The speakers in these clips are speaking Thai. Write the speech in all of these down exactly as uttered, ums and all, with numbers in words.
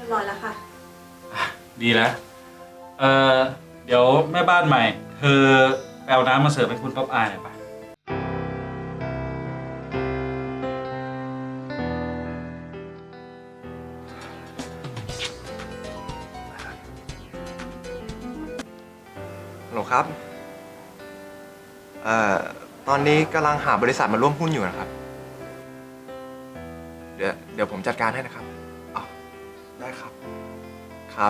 ร้อยแล้วค่ะดีแล้วเออเดี๋ยวแม่บ้านใหม่เธอไปเอาน้ำมาเสิร์ฟให้คุณป๊อปอายหน่อยปะฮัลโหลครับเอ่อตอนนี้กำลังหาบริษัทมาร่วมหุ้นอยู่นะครับ เดี๋ยวเดี๋ยวผมจัดการให้นะครับอ๋อได้ครับ ครับ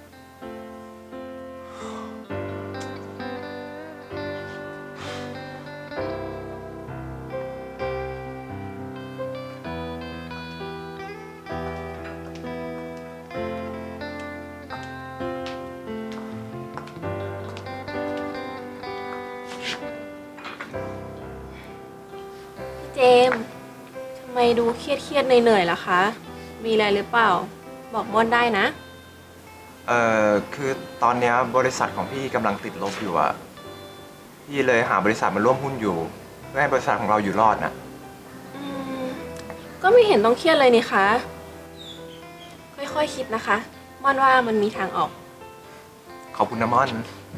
เจมส์ทำไมดูเครียดเครียดเหนื่อยๆล่ะคะ มีอะไรหรือเปล่า บอกม่อนได้นะเอ่อคือตอนเนี้ยบริษัทของพี่กำลังติดลบอยู่อะพี่เลยหาบริษัทมาร่วมหุ้นอยู่ เพื่อให้บริษัทของเราอยู่รอดนะอืม ก็ไม่เห็นต้องเครียดเลยนี่คะ ค่อยๆคคิดนะคะ ม่อนว่ามันมีทางออกขอบคุณนะม่อน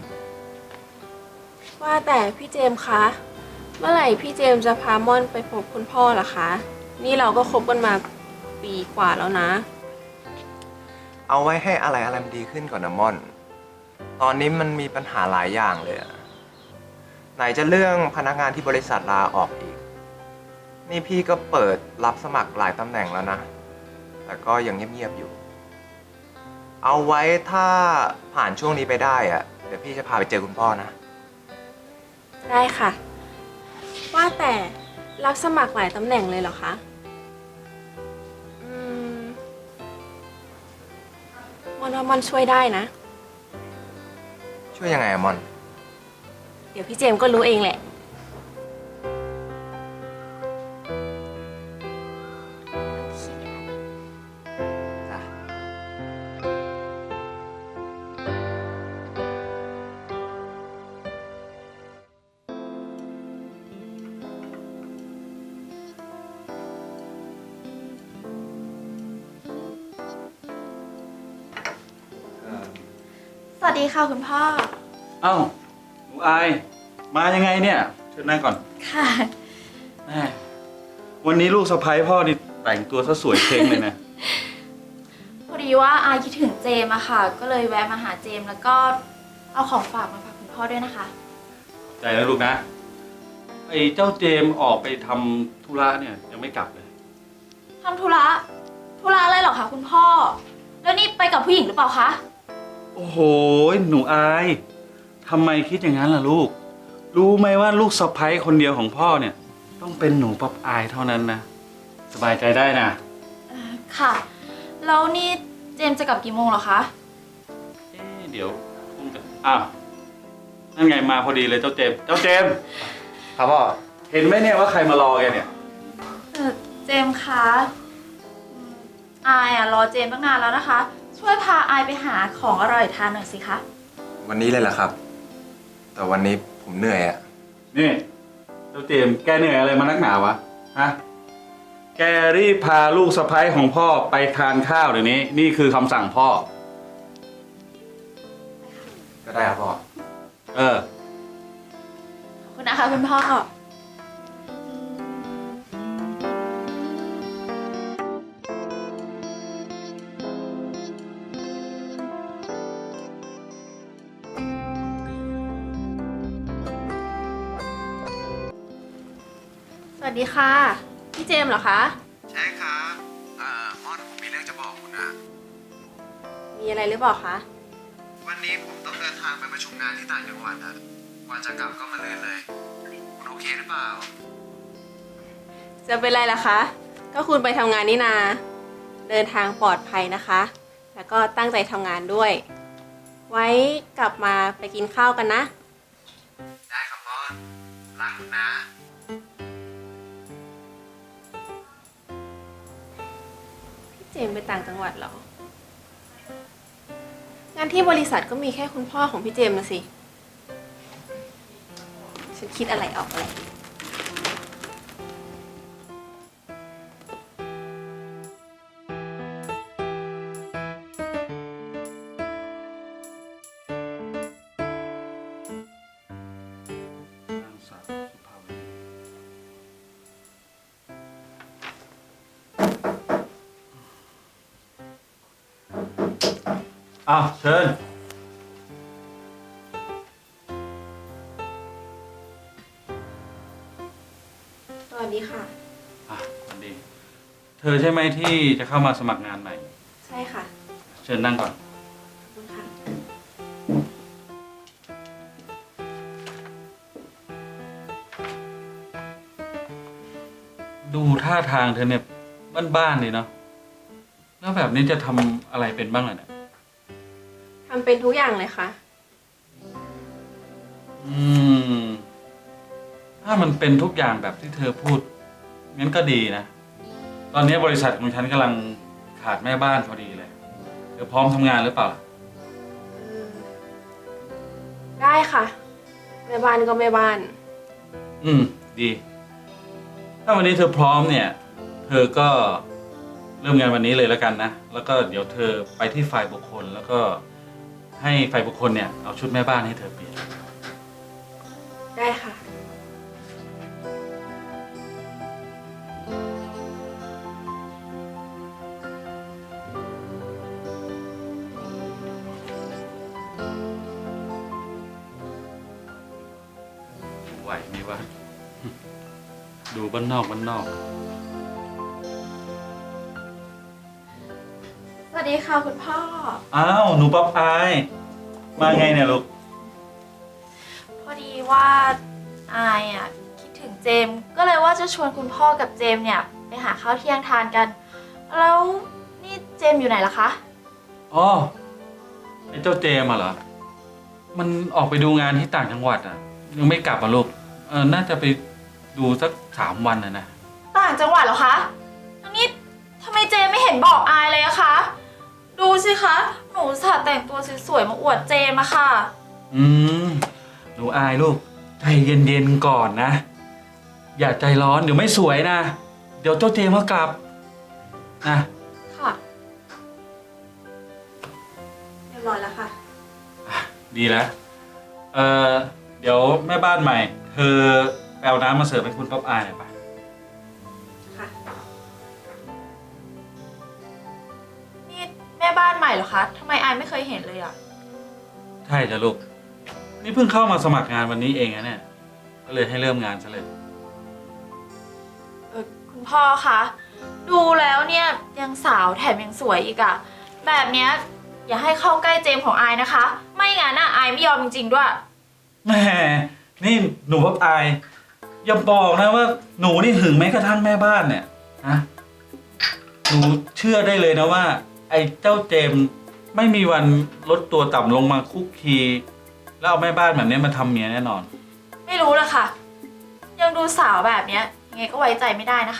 ว่าแต่พี่เจมส์คะ เมื่อไหร่พี่เจมส์จะพาม่อนไปพบคุณพ่อล่ะคะ นี่เราก็คบกันมาปีกว่าแล้วนะเอาไว้ให้อะไรอะไรมันดีขึ้นก่อนนะม่อน ตอนนี้มันมีปัญหาหลายอย่างเลยอะไหนจะเรื่องพนักงานที่บริษัทลาออกอีก นี่พี่ก็เปิดรับสมัครหลายตำแหน่งแล้วนะ แต่ก็ยังเงียบๆอยู่ เอาไว้ถ้าผ่านช่วงนี้ไปได้อะเดี๋ยวพี่จะพาไปเจอคุณพ่อนะได้ค่ะ ว่าแต่รับสมัครหลายตำแหน่งเลยเหรอคะ อืมม่อนว่าม่อนช่วยได้นะช่วยยังไงอะม่อนเดี๋ยวพี่เจมส์ก็รู้เองแหละสวัสดีค่ะคุณพ่อเอ้าหนูอายมายังไงเนี่ยเชิญนั่งก่อนค่ะแม่วันนี้ลูกสะใภ้พ่อนี่แต่งตัวซะสวยเช้งเลยนะพอดีว่าอายคิดถึงเจมอะค่ะ ก็เลยแวะมาหาเจมแล้วก็เอาของฝากมาฝากคุณพ่อด้วยนะคะใจแล้วลูกนะไอ้เจ้าเจมออกไปทำธุระเนี่ยยังไม่กลับเลยทำธุระ ธุระอะไรเหรอคะคุณพ่อ แล้วนี่ไปกับผู้หญิงหรือเปล่าคะโอ้โหหนูอายทำไมคิดอย่างนั้นล่ะลูก รู้ไหมว่าลูกสะใภ้คนเดียวของพ่อเนี่ย ต้องเป็นหนูป๊อปอายเท่านั้นนะสบายใจได้นะค่ะ แล้วนี่เจมจะกลับกี่โมงเหรอคะเอ๊ะเดี๋ยวคงจะอ้าวนั่นไงมาพอดีเลยเจ้าเจมส์เจ้าเจมส์ครับพ่อเห็นไหมเนี่ยว่าใครมารอแกเนี่ยเออเจมคะอืมอายอะรอเจมตั้งนานแล้วนะคะ ช่วยพาอายไปหาของอร่อยทานหน่อยสิคะวันนี้เลยเหรอครับ แต่วันนี้ผมเหนื่อยอะนี่เจ้าเจมส์แกเหนื่อยอะไรมานักหนาวะฮะแกรีบพาลูกสะใภ้ของพ่อไปทานข้าวเดี๋ยวนี้นี่คือคำสั่งพ่อก็ได้ครับพ่อเออขอบคุณนะคะคุณพ่อสวัสดีค่ะ พี่เจมส์เหรอคะใช่ครับเอ่อม่อนผมมีเรื่องจะบอกคุณนะมีอะไรหรือเปล่าคะวันนี้ผมต้องเดินทางไปประชุมงานที่ต่างจังหวัดอะกว่าจะกลับก็มาเลื่อนเลย คุณโอเคหรือเปล่าจะเป็นไรล่ะคะ ก็คุณไปทำงานนี่นา เดินทางปลอดภัยนะคะ แล้วก็ตั้งใจทำงานด้วย ไว้กลับมาไปกินข้าวกันนะได้ครับม่อนรักคุณนะพี่เจมส์ไปต่างจังหวัดเหรอ งานที่บริษัทก็มีแค่คุณพ่อของพี่เจมส์นะสิ ฉันคิดอะไรออกอะไรอ้าวเชิญสวัสดีค่ะอ่ะสวัสดี เธอใช่ไหมที่จะเข้ามาสมัครงานใหม่ใช่ค่ะเชิญนั่งก่อนขอบคุณค่ะดูท่าทางเธอเนี่ยบ้านๆเลยเนาะ แล้วแบบนี้จะทำอะไรเป็นบ้างล่ะเนี่ยทำเป็นทุกอย่างเลยค่ะอืม ถ้ามันเป็นทุกอย่างแบบที่เธอพูด งั้นก็ดีนะ ตอนนี้บริษัทของฉันกำลังขาดแม่บ้านพอดีเลย เธอพร้อมทำงานหรือเปล่าล่ะเออ ได้ค่ะ แม่บ้านก็แม่บ้านอืม ดี ถ้าวันนี้เธอพร้อมเนี่ย เธอก็เริ่มงานวันนี้เลยแล้วกันนะ แล้วก็เดี๋ยวเธอไปที่ฝ่ายบุคคล แล้วก็ให้ฝ่ายบุคคลเนี่ยเอาชุดแม่บ้านให้เธอเปลี่ยนได้ค่ะไหวไหมวะ ดูบ้านนอกบ้านนอกสวัสดีค่ะคุณพ่ออ้าว หนูป๊อปอาย มาไงเนี่ยลูกพอดีว่าอายอ่ะคิดถึงเจมส์ก็เลยว่าจะชวนคุณพ่อกับเจมส์เนี่ยไปหาข้าวเที่ยงทานกัน แล้วนี่เจมส์อยู่ไหนล่ะคะอ๋อ ไอ้เจ้าเจมส์อะเหรอ มันออกไปดูงานที่ต่างจังหวัดอ่ะ ยังไม่กลับอ่ะลูก เออ น่าจะไปดูสักสามวันนะนะต่างจังหวัดเหรอคะแล้วนี่ทำไมเจมส์ไม่เห็นบอกอายเลยอะคะ ดูสิคะ หนูอุตสาห์แต่งตัวสวยๆมาอวดเจมส์อะค่ะอืม หนูอายลูก ใจเย็นๆก่อนนะ อย่าใจร้อนเดี๋ยวไม่สวยนะ เดี๋ยวเจ้าเจมส์ก็กลับ นะค่ะ เรียบร้อยแล้วค่ะดีแล้ว เออเดี๋ยวแม่บ้านใหม่ เธอไปเอาน้ำมาเสิร์ฟให้คุณป๊อปอายหน่อยปะค่ะนี่แม่บ้านใหม่เหรอคะทำไมอายไม่เคยเห็นเลยอะใช่จ้ะลูก นี่เพิ่งเข้ามาสมัครงานวันนี้เองนะเนี่ย ก็เลยให้เริ่มงานซะเลยเออคุณพ่อคะดูแล้วเนี่ยยังสาวแถมยังสวยอีกอะแบบเนี้ยอย่าให้เข้าใกล้เจมส์ของอายนะคะ ไม่งั้นน่ะอายไม่ยอมจริงๆด้วยแหม นี่หนูป๊อปอาย อย่าบอกนะว่าหนูนี่หึงแม้กระทั่งแม่บ้านเนี่ยนะ หนูเชื่อได้เลยนะว่า ไอ้เจ้าเจมส์ไม่มีวันลดตัวต่ำลงมาคุกคีแล้วเอาแม่บ้านแบบนี้มาทำเมียแน่นอนไม่รู้เลยค่ะ ยังดูสาวแบบเนี้ยยังไงก็ไว้ใจไม่ได้นะคะ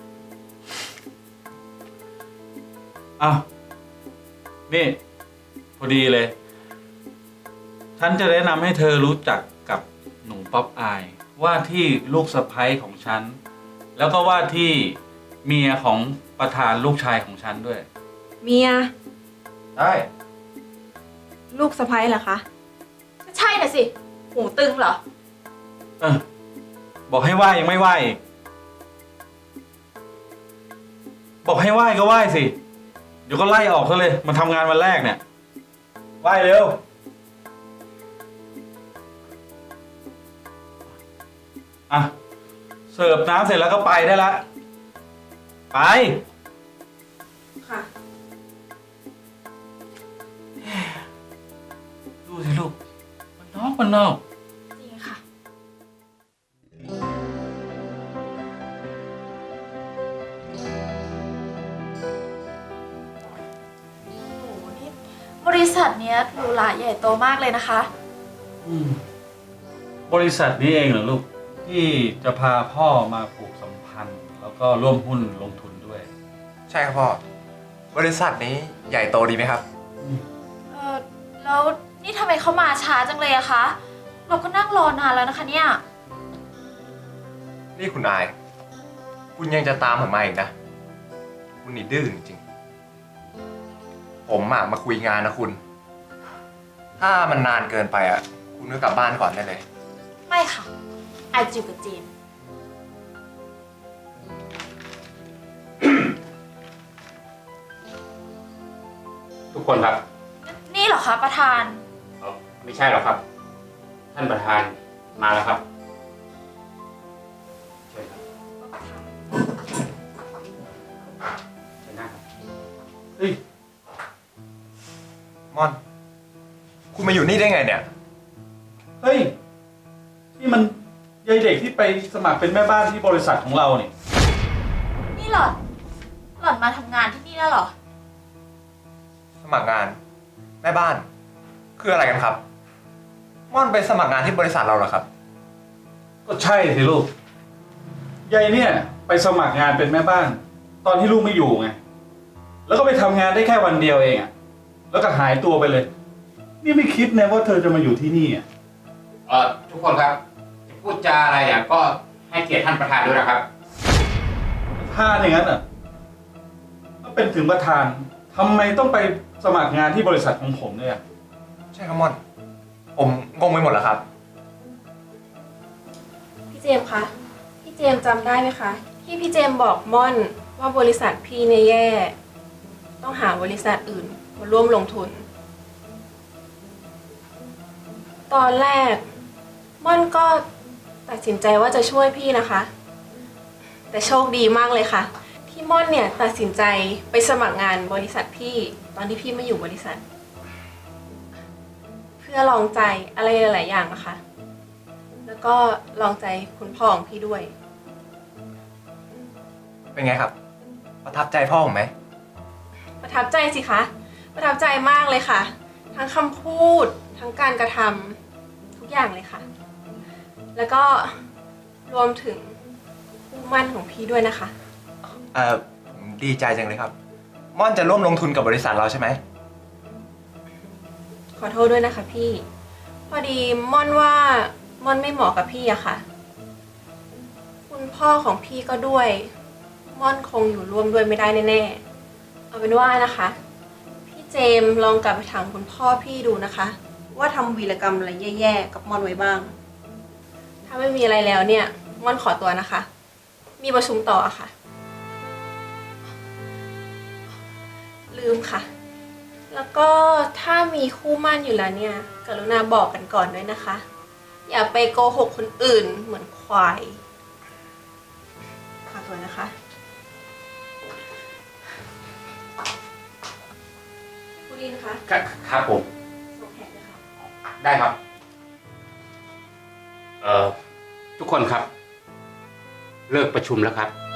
อ้าว นี่ พอดีเลย ฉันจะแนะนำให้เธอรู้จักกับหนูป๊อปอาย ว่าที่ลูกสะใภ้ของฉัน แล้วก็ว่าที่เมียของประธานลูกชายของฉันด้วยเมียใช่ลูกสะใภ้เหรอคะใช่น่ะสิ หูตึงเหรอเออ บอกให้ไหว้ยังไม่ไหว้อีกบอกให้ไหว้ก็ไหว้สิ เดี๋ยวก็ไล่ออกซะเลย มาทำงานวันแรกเนี่ย ไหว้เร็ว อ่ะ เสิร์ฟน้ำเสร็จแล้วก็ไปได้ละ ไปค่ะดูสิลูก มันนอกมันนอกจริงค่ะ โอ้โห นี่บริษัทเนี้ยหรูหราใหญ่โตมากเลยนะคะอืม บริษัทนี้เองเหรอลูก ที่จะพาพ่อมาผูกสัมพันธ์ แล้วก็ร่วมหุ้นลงทุนด้วยใช่ครับพ่อ บริษัทนี้ใหญ่โตดีไหมครับเออแล้วนี่ทำไมเขามาช้าจังเลยอะคะ เราก็นั่งรอนานแล้วนะคะเนี่ยนี่คุณอาย คุณยังจะตามผมมาอีกนะ คุณนี่ดื้อจริงๆผมอะมาคุยงานนะคุณ ถ้ามันนานเกินไปอะคุณก็กลับบ้านก่อนได้เลยไม่ค่ะไอายจิวกับเจมส์ตทุกคนครับนี่เหรอคะประธานเอ่อไม่ใช่หรอกครับ ท่านประธานมาแล้วครับเชิญครับเชิญนั่งครับเฮ้ยม่อน คุณมาอยู่นี่ได้ไงเนี่ยเฮ้ย นี่มันยายเด็กที่ไปสมัครเป็นแม่บ้านที่บริษัทของเราเนี่ยนี่หล่อน หล่อนมาทำงานที่นี่แล้วเหรอสมัครงาน แม่บ้าน คืออะไรกันครับ ม่อนไปสมัครงานที่บริษัทเราเหรอครับก็ใช่สิลูก ยายเนี่ยไปสมัครงานเป็นแม่บ้าน ตอนที่ลูกไม่อยู่ไง แล้วก็ไปทำงานได้แค่วันเดียวเองอะแล้วก็หายตัวไปเลย นี่ไม่คิดนะว่าเธอจะมาอยู่ที่นี่อะเอ่อทุกคนครับจะพูดจาอะไรอ่ะก็ให้เกียรติท่านประธานด้วยนะครับถ้าอย่างนั้นอ่ะก็เป็นถึงประธานทำไมต้องไปสมัครงานที่บริษัทของผมเนี่ยใช่ครับม่อน ผมงงไปหมดแล้วครับพี่เจมส์คะ พี่เจมส์จำได้ไหมคะ ที่พี่เจมส์บอกม่อนว่าบริษัทพี่เนี่ยแย่ ต้องหาบริษัทอื่นมาร่วมลงทุน ตอนแรก ม่อนก็ตัดสินใจว่าจะช่วยพี่นะคะ แต่โชคดีมากเลยค่ะ ที่ม่อนเนี่ยตัดสินใจไปสมัครงานบริษัทพี่ตอนที่พี่ไม่อยู่บริษัท เพื่อลองใจอะไรหลายๆอย่างนะคะ แล้วก็ลองใจคุณพ่อของพี่ด้วยเป็นไงครับ ประทับใจพ่อผมไหมประทับใจสิคะ ประทับใจมากเลยค่ะ ทั้งคำพูด ทั้งการกระทำทุกอย่างเลยค่ะ แล้วก็รวมถึงคู่หมั่นของพี่ด้วยนะคะเอ่อ ผมดีใจจังเลยครับ ม่อนจะร่วมลงทุนกับบริษัทเราใช่ไหมขอโทษด้วยนะคะพี่ พอดีม่อนว่าม่อนไม่เหมาะกับพี่อะค่ะ คุณพ่อของพี่ก็ด้วย ม่อนคงอยู่ร่วมด้วยไม่ได้แน่ๆ เอาเป็นว่านะคะ พี่เจมส์ลองกลับไปถามคุณพ่อพี่ดูนะคะ ว่าทำวีรกรรมอะไรแย่ๆกับม่อนไว้บ้าง ถ้าไม่มีอะไรแล้วเนี่ย ม่อนขอตัวนะคะ มีประชุมต่อค่ะ ลืมค่ะ แล้วก็ถ้ามีคู่หมั่นอยู่แล้วเนี่ย กรุณาบอกกันก่อนด้วยนะคะ อย่าไปโกหกคนอื่นเหมือนควายขอตัวนะคะคุณลินคะครับครับผมส่งแขกเลยค่ะได้ครับ เอ่อ ทุกคนครับ เลิกประชุมแล้วครับ